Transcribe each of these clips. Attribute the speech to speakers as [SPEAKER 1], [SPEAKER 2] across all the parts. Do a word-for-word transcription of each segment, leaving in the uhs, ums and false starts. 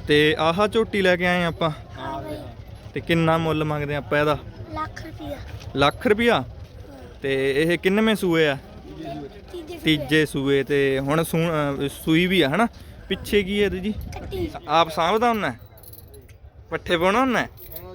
[SPEAKER 1] ਤੇ ਆਹ ਝੋਟੀ ਲੈ ਕੇ ਆਏ ਆਪਾਂ
[SPEAKER 2] हाँ भाई
[SPEAKER 1] ਤੇ ਕਿੰਨਾ ਮੁੱਲ ਮੰਗਦੇ ਆਪਾਂ ਇਹਦਾ?
[SPEAKER 2] लाख रुपया
[SPEAKER 1] ਲੱਖ ਰੁਪਿਆ। ਤੇ ਇਹ ਕਿੰਨਵੇਂ ਸੂਏ ਆ?
[SPEAKER 2] तीजे
[SPEAKER 1] ਤੀਜੇ ਸੂਏ। ਤੇ ਹੁਣ ਸੂ ਅਹ ਸੂਈ ਵੀ ਆ ਹਨਾ। ਪਿੱਛੇ ਕੀ ਹੈ ਜੀ?
[SPEAKER 2] कट्टी
[SPEAKER 1] ਆਪ ਸਾਂਭਦਾ ਹੁੰਨਾ? ਪੱਠੇ ਪਾਉਣਾ ਹੁੰਨਾ?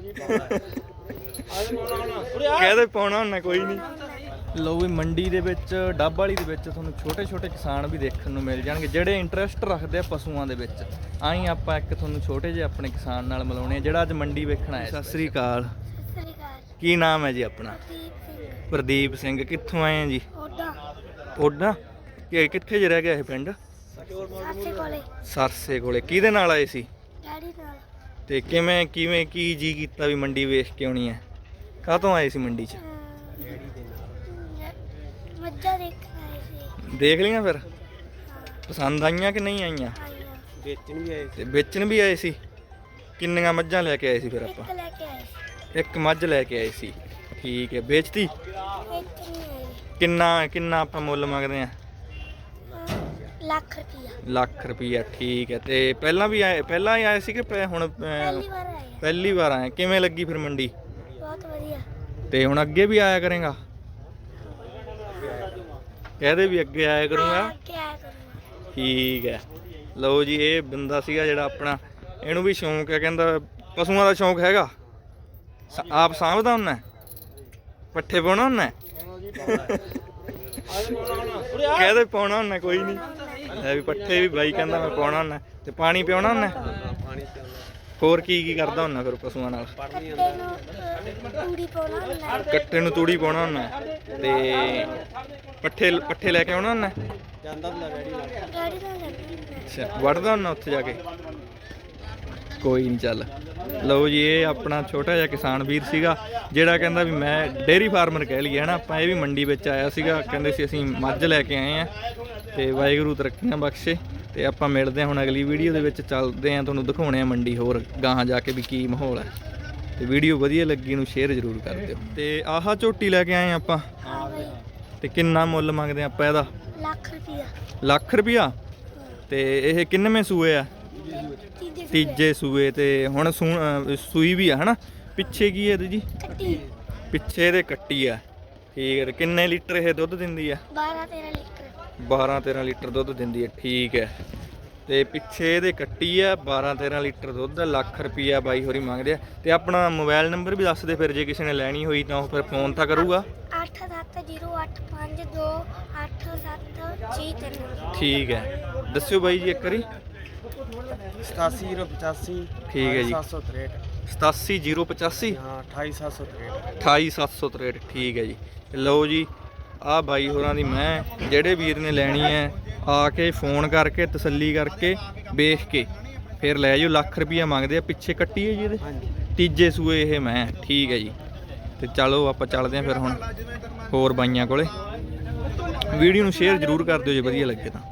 [SPEAKER 1] ਕਹਦੇ ਪਾਉਣਾ ਹੁੰਨਾ ਕੋਈ ਨਹੀਂ। ਲਓ ਵੀ ਮੰਡੀ ਦੇ ਵਿੱਚ ਡੱਬ ਵਾਲੀ ਦੇ ਵਿੱਚ ਤੁਹਾਨੂੰ ਛੋਟੇ ਛੋਟੇ ਕਿਸਾਨ ਵੀ ਦੇਖਣ ਨੂੰ ਮਿਲ ਜਾਣਗੇ ਜਿਹੜੇ ਇੰਟਰਸਟ ਰੱਖਦੇ ਆ ਪਸ਼ੂਆਂ ਦੇ ਵਿੱਚ। ਆਹੀਂ ਆਪਾਂ ਇੱਕ ਤੁਹਾਨੂੰ ਛੋਟੇ ਜਿਹੇ ਆਪਣੇ ਕਿਸਾਨ ਨਾਲ ਮਿਲਾਉਣੇ ਆ ਜਿਹੜਾ ਅੱਜ ਮੰਡੀ ਵੇਖਣ ਆਇਆ। ਸਤਿ ਸ੍ਰੀ ਅਕਾਲ।
[SPEAKER 2] सत श्री अकाल
[SPEAKER 1] ਕੀ ਨਾਮ ਹੈ ਜੀ ਆਪਣਾ?
[SPEAKER 2] दीप सिंह
[SPEAKER 1] ਪ੍ਰਦੀਪ ਸਿੰਘ। ਕਿੱਥੋਂ ਆਏ ਆ ਜੀ?
[SPEAKER 2] ओडा
[SPEAKER 1] ਓਡਾ ਕਿ ਕਿੱਥੇ ਜ ਰਹਿ ਗਿਆ ਇਹ ਪਿੰਡ?
[SPEAKER 2] सासे कोले
[SPEAKER 1] ਸਰਸੇ ਕੋਲੇ। ਕਿਹਦੇ ਨਾਲ ਆਏ ਸੀ?
[SPEAKER 2] डैडी नाल
[SPEAKER 1] ਤੇ ਕਿਵੇਂ ਕਿਵੇਂ ਕੀ ਜੀ ਕੀਤਾ ਵੀ ਮੰਡੀ ਵੇਖ ਕੇ ਆਉਣੀ ਹੈ? ਕਾਹਤੋਂ ਆਏ ਸੀ ਮੰਡੀ 'ਚ?
[SPEAKER 2] मज्जा देखना है से
[SPEAKER 1] ਦੇਖ ਲਈਆਂ ਫਿਰ? ਪਸੰਦ ਆਈਆਂ ਕਿ ਨਹੀਂ ਆਈਆਂ?
[SPEAKER 2] आया
[SPEAKER 3] ਵੇਚਣ ਵੀ ਆਏ
[SPEAKER 1] ਤੇ ਵੇਚਣ ਵੀ ਆਏ ਸੀ? ਕਿੰਨੀਆਂ ਮੱਝਾਂ ਲੈ ਕੇ ਆਏ ਸੀ ਫਿਰ ਆਪਾਂ?
[SPEAKER 2] एक लेके आए
[SPEAKER 1] ਇੱਕ ਮੱਝ ਲੈ ਕੇ ਆਏ ਸੀ। ਠੀਕ ਹੈ। ਵੇਚਤੀ?
[SPEAKER 2] एक नहीं आए
[SPEAKER 1] ਕਿੰਨਾ ਕਿੰਨਾ ਆਪਾਂ ਮੁੱਲ ਮੰਗਦੇ ਆ?
[SPEAKER 2] लाख रुपया
[SPEAKER 1] ਲੱਖ ਰੁਪਈਆ। ਠੀਕ ਹੈ। ਤੇ ਪਹਿਲਾਂ ਵੀ ਆਏ ਪਹਿਲਾਂ ਹੀ ਆਏ ਸੀ ਕਿ ਪਹਿ- ਹੁਣ ਅਹ,
[SPEAKER 2] पहली बार आए
[SPEAKER 1] ਪਹਿਲੀ ਵਾਰ ਆਏ? ਕਿਵੇਂ ਲੱਗੀ ਫਿਰ ਮੰਡੀ?
[SPEAKER 2] बहुत बढ़िया
[SPEAKER 1] ਤੇ ਹੁਣ ਅੱਗੇ ਵੀ ਆਇਆ ਕਰੇਗਾ? ਕਹਦੇ ਵੀ ਅੱਗੇ ਆਇਆ ਕਰੂੰਗਾ।
[SPEAKER 2] क्या करूँगा
[SPEAKER 1] ਠੀਕ ਹੈ। ਲਓ ਜੀ ਇਹ ਬੰਦਾ ਸੀਗਾ ਜਿਹੜਾ ਆਪਣਾ, ਇਹਨੂੰ ਵੀ ਸ਼ੌਂਕ ਹੈ, ਕਹਿੰਦਾ ਪਸ਼ੂਆਂ ਦਾ ਸ਼ੌਂਕ ਹੈਗਾ। ਸ- ਆਪ ਸਾਂਭਦਾ ਹੁੰਨਾ? ਪੱਠੇ ਪਾਉਣਾ ਹੁੰਨਾ? ਕਹਦੇ ਪਾਉਣਾ ਹੁੰਨਾ ਕੋਈ ਨਹੀਂ। ਹੈ ਵੀ ਪੱਠੇ ਵੀ ਬਾਈ ਕਹਿੰਦਾ ਮੈਂ ਪਾਉਣਾ ਹੁੰਨਾ। ਤੇ ਪਾਣੀ ਪਿਆਉਣਾ ਹੁੰਨਾ?
[SPEAKER 3] ਪਾਣੀ ਤੇ
[SPEAKER 1] ਹੋਰ ਕੀ ਕੀ ਕਰਦਾ ਹੁੰਨਾ ਫਿਰ ਪਸ਼ੂਆਂ ਨਾਲ?
[SPEAKER 2] कट्टे नु पूरी पाना ना
[SPEAKER 1] ਕੱਟੇ ਨੂੰ ਤੂੜੀ ਪਾਉਣਾ ਹੁੰਨਾ ਤੇ ਪੱਠੇ ਪੱਠੇ ਲੈ ਕੇ ਆਉਣਾ ਹੁੰਨਾ?
[SPEAKER 3] ਜਾਂਦਾ ਵੀ ਡੈਡੀ ਨਾਲ
[SPEAKER 2] डैडी नाल जाना
[SPEAKER 1] ਅੱਛਾ। ਵੜਦਾ ਹੁੰਨਾ ਉੱਥੇ ਜਾ ਕੇ? ਕੋਈ ਨਹੀਂ। ਚੱਲ ਲਓ ਜੀ ਇਹ ਆਪਣਾ ਛੋਟਾ ਜਿਹਾ ਕਿਸਾਨ ਵੀਰ ਸੀਗਾ ਜਿਹੜਾ ਕਹਿੰਦਾ ਵੀ ਮੈਂ ਡੇਅਰੀ ਫਾਰਮਰ ਕਹਿ ਲਈਏ ਹਨਾ ਆਪਾਂ। ਇਹ ਵੀ ਮੰਡੀ ਵਿੱਚ ਆਇਆ ਸੀਗਾ। ਕਹਿੰਦੇ ਸੀ ਅਸੀਂ ਮੱਝ ਲੈ ਕੇ ਆਏ ਆ ਤੇ ਵਾਹਿਗੁਰੂ ਤਰੱਕੀਆਂ ਬਖਸ਼ੇ। ਤੇ ਆਪਾਂ ਮਿਲਦੇ ਹਾਂ ਹੁਣ ਅਗਲੀ ਵੀਡੀਓ ਦੇ ਵਿੱਚ। ਚੱਲਦੇ ਆ ਤੁਹਾਨੂੰ ਦਿਖਾਉਣੇ ਆ ਮੰਡੀ ਹੋਰ ਗਾਹਾਂ ਜਾ ਕੇ ਵੀ ਕੀ ਮਾਹੌਲ ਹੈ। ਤੇ ਵੀਡੀਓ ਵਧੀਆ ਲੱਗੀ ਨੂੰ ਸ਼ੇਅਰ ਜ਼ਰੂਰ ਕਰ ਦਿਓ। ਤੇ ਆਹ ਝੋਟੀ ਲੈ ਕੇ ਆਏ ਆਪਾਂ
[SPEAKER 2] हाँ भाई
[SPEAKER 1] ਤੇ ਕਿੰਨਾ ਮੁੱਲ ਮੰਗਦੇ ਆਪਾਂ ਇਹਦਾ?
[SPEAKER 2] लाख रुपया
[SPEAKER 1] ਲੱਖ ਰੁਪਿਆ। ਤੇ ਇਹ ਕਿੰਨਵੇਂ ਸੂਏ ਆ?
[SPEAKER 2] तीजे
[SPEAKER 1] ਤੀਜੇ ਸੂਏ। ਤੇ ਹੁਣ ਸੂ ਅਹ ਸੂਈ ਵੀ ਆ ਹਨਾ। ਪਿੱਛੇ ਕੀ ਹੈ ਜੀ?
[SPEAKER 2] कट्टी
[SPEAKER 1] ਪਿੱਛੇ ਇਹਦੇ ਕੱਟੀ ਆ। ਠੀਕ ਹੈ। ਤੇ ਕਿੰਨੇ ਲੀਟਰ ਇਹ ਦੁੱਧ ਦਿੰਦੀ ਆ?
[SPEAKER 2] बारह तेरह लीटर
[SPEAKER 1] ਬਾਰਾਂ ਤੇਰਾਂ ਲੀਟਰ ਦੁੱਧ ਦਿੰਦੀ ਹੈ। ਠੀਕ ਹੈ। ਤੇ ਪਿੱਛੇ ਇਹਦੇ ਕੱਟੀ ਆ। ਬਾਰਾਂ ਤੇਰਾਂ ਲੀਟਰ ਦੁੱਧ। ਲੱਖ ਰੁਪਈਆ ਬਾਈ ਹੋਰੀ ਮੰਗਦੇ ਆ। ਤੇ ਆਪਣਾ ਮੋਬਾਈਲ ਨੰਬਰ ਵੀ ਦੱਸ ਦੇ ਫਿਰ ਜੇ ਕਿਸੇ ਨੇ ਲੈਣੀ ਹੋਈ ਤਾਂ ਉਹ ਫਿਰ ਫੋਨ ਤਾਂ ਕਰੂਗਾ।
[SPEAKER 2] अठ सत्त जीरो अठ पाँच दो अठ सत्त जी तीन
[SPEAKER 1] ਠੀਕ ਹੈ। ਦੱਸਿਓ ਬਾਈ ਜੀ ਇੱਕ ਵਾਰੀ।
[SPEAKER 3] ਸਤਾਸੀ ਜ਼ੀਰੋ ਪਚਾਸੀ
[SPEAKER 1] ਠੀਕ ਹੈ ਜੀ।
[SPEAKER 3] ਸੱਤ ਸੌ ਤਰੇਹਠ
[SPEAKER 1] ਸਤਾਸੀ ਜ਼ੀਰੋ ਪਚਾਸੀ
[SPEAKER 3] ਹਾਂ ਅਠਾਈ ਸੱਤ ਸੌ ਤਰੇਹਠ
[SPEAKER 1] ਅਠਾਈ ਸੱਤ ਸੌ ਤਰੇਹਠ। ਠੀਕ ਹੈ ਜੀ। ਤੇ ਲਓ ਜੀ ਆਹ ਬਾਈ ਹੋਰਾਂ ਦੀ ਮੈਂ ਜਿਹੜੇ ਵੀਰ ਨੇ ਲੈਣੀ ਹੈ ਆ ਕੇ ਫੋਨ ਕਰਕੇ ਤਸੱਲੀ ਕਰਕੇ ਵੇਖ ਕੇ ਫਿਰ ਲੈ ਜਾਓ। ਲੱਖ ਰੁਪਈਆ ਮੰਗਦੇ ਆ। ਪਿੱਛੇ ਕੱਟੀ ਹੈ ਜੀ ਇਹਦੇ?
[SPEAKER 3] ਹਾਂਜੀ
[SPEAKER 1] ਤੀਜੇ ਸੂਏ ਇਹ ਮੈਂ। ਠੀਕ ਹੈ ਜੀ। ਤੇ ਚਲੋ ਆਪਾਂ ਚੱਲਦੇ ਹਾਂ ਫਿਰ ਹੁਣ ਹੋਰ ਬਾਈਆਂ ਕੋਲੇ। ਵੀਡੀਓ ਨੂੰ ਸ਼ੇਅਰ ਜ਼ਰੂਰ ਕਰ ਦਿਓ ਜੇ ਵਧੀਆ ਲੱਗੇ ਤਾਂ।